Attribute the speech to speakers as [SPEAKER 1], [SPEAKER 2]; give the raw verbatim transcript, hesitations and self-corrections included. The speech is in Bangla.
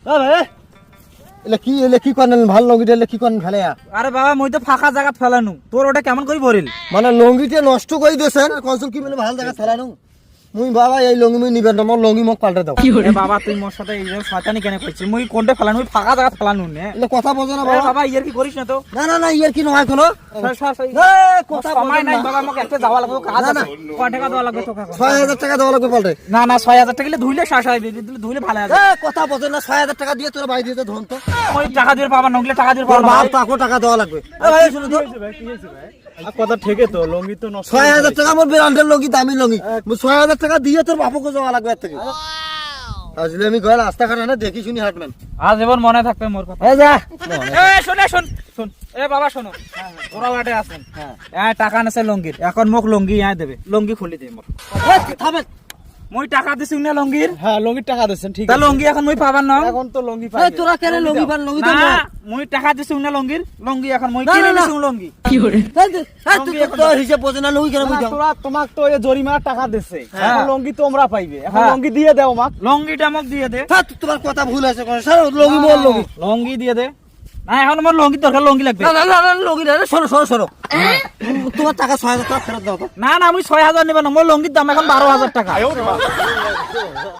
[SPEAKER 1] এলে কি এলে কি করেন ভাল লঙ্গিটা এলে কি করেন ফেলে
[SPEAKER 2] আরে বাবা মই তো ফাঁকা জায়গা ফেলানু তোর ওটা কেমন করে ভরিল
[SPEAKER 1] মানে লঙ্গিটা নষ্ট করে দিয়েছেন কনসুল কি মানে ভাল জায়গা ফেলানো মুই বাবা এই লঙ্গি মুই নিবেন না মোর লঙ্গি মোক পাল্টে দাও
[SPEAKER 2] এ বাবা তুই মোর সাথে এই যে শয়তানি কেন করছিস মুই কোনটা ফেলানু মুই ফাঁকা জায়গা ফেলানু নে
[SPEAKER 1] এলে কথা বোঝো না
[SPEAKER 2] এ
[SPEAKER 1] বাবা
[SPEAKER 2] বাবা ইয়ার কি করিস না তো
[SPEAKER 1] না না না ইয়ার কি নয় কোনো কথা
[SPEAKER 2] সময় নাই বাবা আমাকে একটা যাওয়া লাগবে কাজ আছে কয় টাকা দেওয়া লাগবে তোকে
[SPEAKER 1] ছয় হাজার টাকা দেওয়া লাগবে পাল্টে
[SPEAKER 2] না না ছয় হাজার টাকা দিলে ধুইলে শেষ হয় দিলে ধুইলে ভালো হবে
[SPEAKER 1] কথা বোঝো না ছয় হাজার টাকা দিয়ে তোরা বাড়ি দিতে ধন তো
[SPEAKER 2] ওই টাকা দিয়ে পাবা নগলে টাকা দিয়ে
[SPEAKER 1] তোর
[SPEAKER 2] পাবা
[SPEAKER 1] বাপ তাকে টাকা দেওয়া লাগবে এ ভাই শুনো তো
[SPEAKER 3] কথা ঠিকই তো লঙ্গি তো নষ্ট
[SPEAKER 1] ছয় হাজার টাকা আমার ব্র্যান্ডের লঙ্গি দামি লঙ্গি ছয় হাজার টাকা দিয়ে তোর বাপকে যাওয়া লাগবে এর থেকে আসলে আমি গেল রাস্তা ঘাটে না দেখি শুনি হাটম্যান
[SPEAKER 2] আজ এবার মনে থাকবে মোর কথা
[SPEAKER 1] এই যা
[SPEAKER 2] এ শুনে শুন শুন এ বাবা শোনো ওরা বাটে আছেন হ্যাঁ টাকা নেছে লঙ্গির এখন মোক লঙ্গি আয় দেবে লঙ্গি খুলি দে মোর
[SPEAKER 1] থামে
[SPEAKER 2] মই টাকা দিছি না লঙ্গির
[SPEAKER 3] হ্যাঁ লঙ্গির টাকা দিচ্ছেন ঠিক
[SPEAKER 2] তা লঙ্গি এখন মই পাবার না
[SPEAKER 3] এখন তো লঙ্গি
[SPEAKER 1] এই তোরা কেন লঙ্গি পান লঙ্গি তো
[SPEAKER 2] না
[SPEAKER 1] না
[SPEAKER 2] মই টাকা দিছি না লঙ্গির লঙ্গি এখন মই
[SPEAKER 1] না,
[SPEAKER 2] কিনে
[SPEAKER 1] না, না।
[SPEAKER 2] দিছি লঙ্গি
[SPEAKER 1] এই তুই তো হিসাব বোঝে না লঙ্গি কেন বুঝাও
[SPEAKER 3] তোরা তোমাক তো এই জরিমানার টাকা দিছে
[SPEAKER 2] হ্যাঁ।
[SPEAKER 3] এখন লঙ্গি তোমরা পাইবে এখন
[SPEAKER 2] হ্যাঁ।
[SPEAKER 3] লঙ্গি দিয়ে দাও মাক
[SPEAKER 2] লঙ্গিটা মোক দিয়ে দে
[SPEAKER 1] হ্যাঁ তোমার কথা ভুল আছে কোন স্যার লঙ্গি বল লঙ্গি
[SPEAKER 2] লঙ্গি দিয়ে দে না এখন আমার লঙ্গি দরকার লঙ্গি লাগবে
[SPEAKER 1] না না না না, লঙ্গি না সরো সরো সরো তোমার টাকা ছয় হাজার টাকা ফেরত দাও তো
[SPEAKER 2] না না আমি ছয় হাজার নেব না মোর লঙ্গির দাম এখন বারো হাজার টাকা